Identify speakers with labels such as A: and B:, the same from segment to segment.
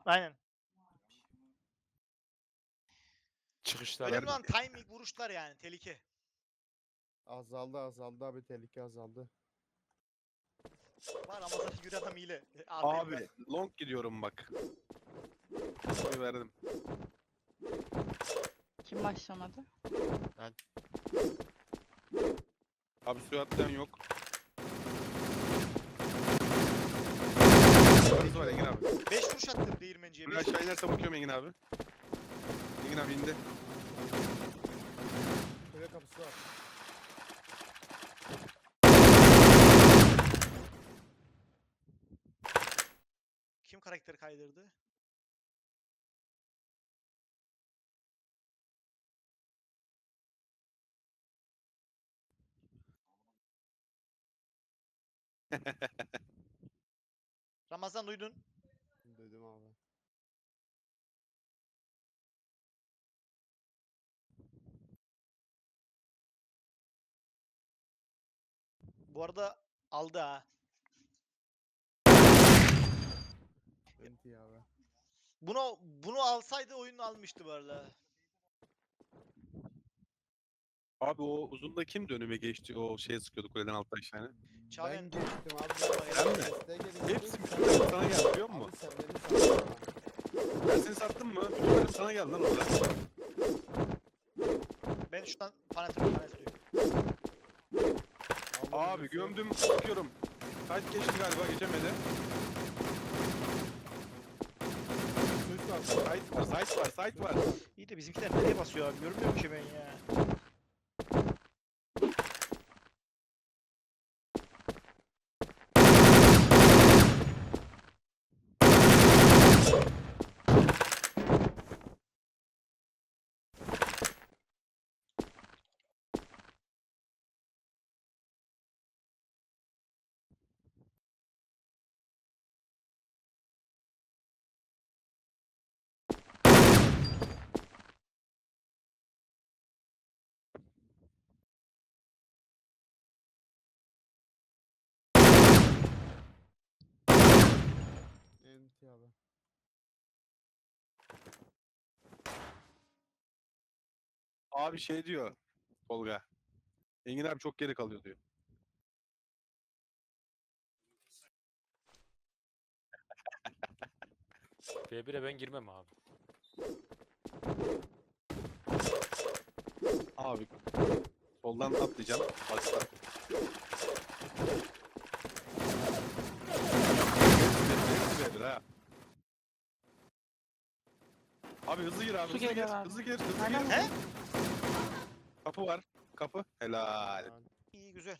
A: Aynen.
B: Çıkışlar
A: Önemli
B: verme.
A: olan timing, vuruşlar yani. Tehlike.
C: Azaldı abi, tehlike azaldı.
A: Var Ramazan'ın yürü adam hile.
B: Abi long gidiyorum bak. Oy verdim.
D: Kim başlamadı?
B: Abi suya atlayan yok. Yukarısı var Engin abi.
A: 5 vuruş attım değirmenciye.
B: Buraya
A: 5
B: aşağı inerse bakıyorum Engin abi. Engin abi indi.
C: Kule kapısı var.
A: Kim karakteri kaydırdı? Ramazan duydun.
C: Duydum abi.
A: Bu arada aldı ha.
C: Enti abi.
A: Bunu alsaydı oyunu almıştı bu arada.
B: Abi o uzunda kimdi önüme geçti? O şeye sıkıyordu kuleden alttan aşağıya.
A: Çağlayan
C: Ben geçtim abi.
B: Sen mi?
C: Desteğe geliştim.
B: Hepsi bütün sana geldi biliyor musun?
C: Abi sen beni sattın ama.
B: Ben seni sattım mı? Bütün sana geldi lan orada.
A: Ben şuradan fanatörüm.
B: Abi gömdüm sıkıyorum. Kaç geçti galiba geçemedi.
C: Suç var.
B: Site var.
A: İyi de bizimkiler nereye basıyor abi? Görmüyorum ki ben ya.
C: Enti abi.
B: Abi şey diyor Tolga. Engin abi çok geri kalıyor diyor.
E: B1'e ben girmem abi.
B: Abi soldan atlayacağım. Başla. Ha. Abi hızlı gir abi.
D: Su
B: Hızlı gir.
D: geliyor abi.
B: Hızlı gir. Hızlı
D: Aynen.
B: gir.
A: He?
B: Kapı var. Kapı. Helal.
A: İyi güzel.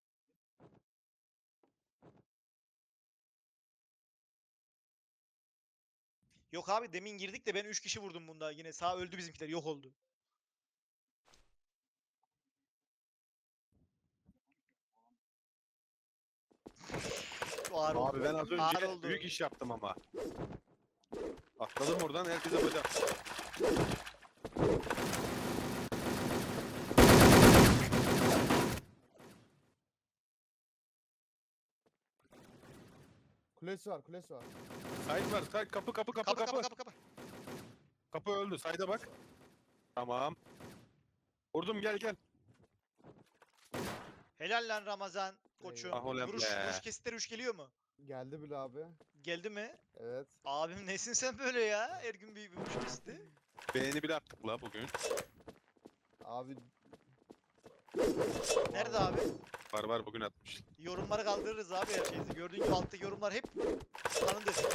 A: Yok abi demin girdik de ben 3 kişi vurdum bunda. Yine sağ öldü bizimkiler. Yok oldu. Ağır oldu.
B: Abi ben az
A: Ağır
B: önce
A: oldu.
B: büyük iş yaptım ama. Atladım oradan herkese bacak.
C: Kulesi var, kulesi var.
B: Sait var. Sait kapı.
A: Kapı.
B: Kapı öldü. Sait'e bak. Tamam. Vurdum gel.
A: Helal lan Ramazan koçum.
B: Ah ulan be.
A: Vuruş kesitleri 3 geliyor mu?
C: Geldi bile abi.
A: Geldi mi?
C: Evet.
A: Abim nesin sen böyle ya? Her gün bir vuruş kesiti.
B: Beğeni bile attık la bugün.
C: Abi.
A: Nerede abi?
B: Var bugün atmış.
A: Yorumları kaldırırız abi her şeyi. Gördüğün gibi alttaki yorumlar hep kanın desin.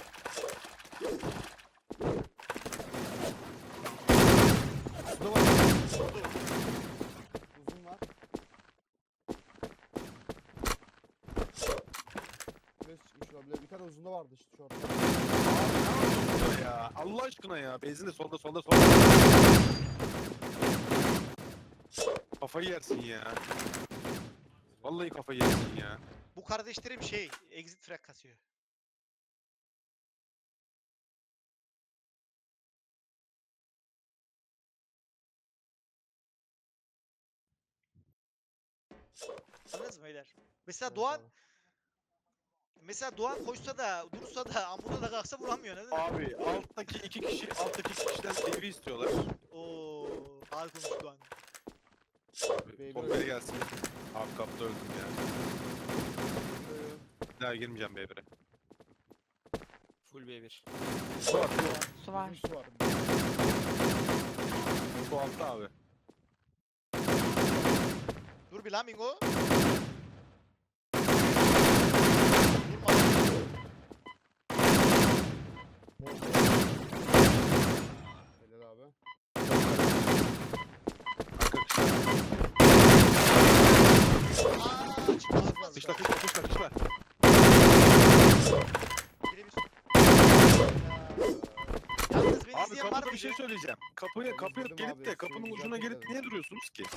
C: Suda var. Uzun var. Kulesi çıkmış olabilir. Bir tane uzunda vardı işte şu ortada.
B: Burada ya. Allah aşkına ya. Benzin de solda. Kafayı yersin ya. Vallahi kafayı yersin ya.
A: Bu kardeşlerim exit frag kasıyor. Anladınız mı beyler? Mesela
C: Evet
A: Doğan
C: abi.
A: Mesela Doğan koşsa da dursa da ambuda da kalksa vuramıyor değil mi?
B: Abi alttaki iki kişiden TV istiyorlar.
A: Oo, ağır konuştu Doğan.
B: Abi
C: Baby
B: Tolga'ya
C: öldü.
B: gelsin. Abi kapıda öldüm ya. Bir daha girmeyeceğim B1'e.
E: Full B1.
B: Su var,
D: Su var.
C: Bizim su var.
B: su altta abi.
A: Dur bir lan Mingo.
C: Helal abi.
B: Arka kışlar.
A: Aaa çıkmaz.
B: Kışla.
A: Birebir. Yalnız beni
B: Abi
A: izleyen var
B: kapıda bir
A: mıydı?
B: şey söyleyeceğim. Kapıya
C: izledim
B: gelip
C: abi,
B: de kapının
C: suyu
B: ucuna
C: güzel
B: gelip
C: temizledim.
B: niye duruyorsunuz ki?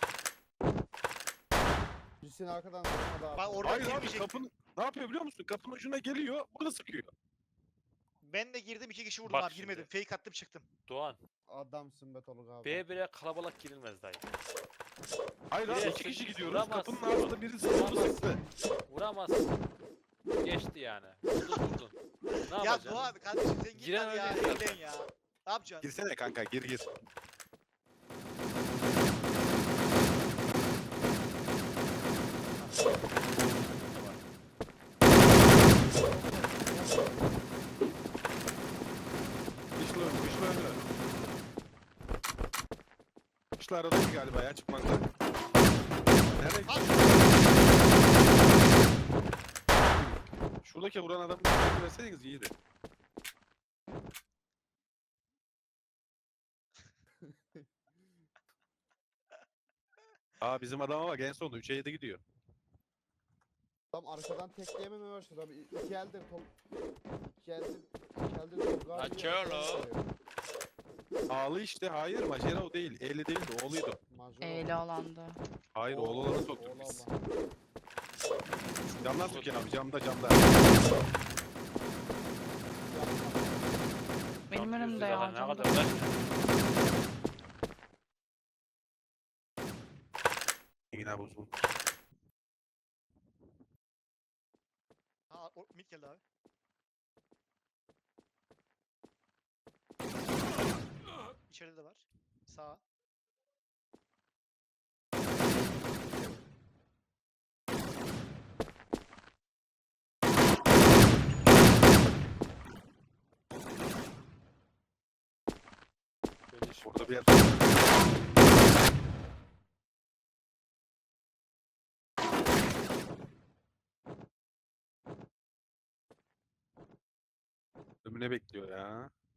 C: Birisini arkadan vurmadı abi.
A: Bak orada
B: Hayır abi
A: girmeyecek.
B: kapının ne yapıyor biliyor musun? Kapının ucuna geliyor, burada sıkıyor.
A: Ben de girdim 2 kişi vurdum
E: Bak
A: abi girmedim. Fake attım çıktım.
E: Doğan.
C: Adamsın be Tolga abi.
E: B1'e kalabalık girilmez dayı.
B: Hayır
E: Bir
B: abi
E: de
B: iki kişi gidiyoruz.
E: vuramazsın.
B: Kapının ağzında biri sıkıldı sıktı.
E: Vuramazsın. Geçti yani. Vurdun. Ne
A: Ya
E: yapacaksın?
A: Doğan kardeşim sen git
E: Giren
A: hadi ya.
E: öyle zaten.
A: Eğlen ya. Ne yapacaksın?
B: Girsene kanka gir. Kışla önü. Kışla aradaki galiba ya çıkmakta. Nereye
A: Bak.
B: Şuradaki vuran adamı bir verseniz iyiydi. Aa bizim adama bak en sonunda 3'e 7 gidiyor.
C: Tam arkadan tekleyememe başladı abi. İki eldir İki eldir Tolga abi.
E: Açelo.
B: Ağlı işte hayır Majera o değil. Eli değildi oğluydu.
D: Eyle alandı.
B: Hayır oğlu olanı soktuk biz.
C: Oğlu
B: Camdan sokuyor abi camda.
D: Benim
E: Lan
D: önümde
E: yüzde
D: ya.
E: zaten Ne
D: camda.
E: kadar lan?
B: Engin abi uzun.
A: Ha mid geldi abi. İçeride de var. Sağ.
E: Böyle iş
B: Orada bir yer. Ömüne bekliyor ya.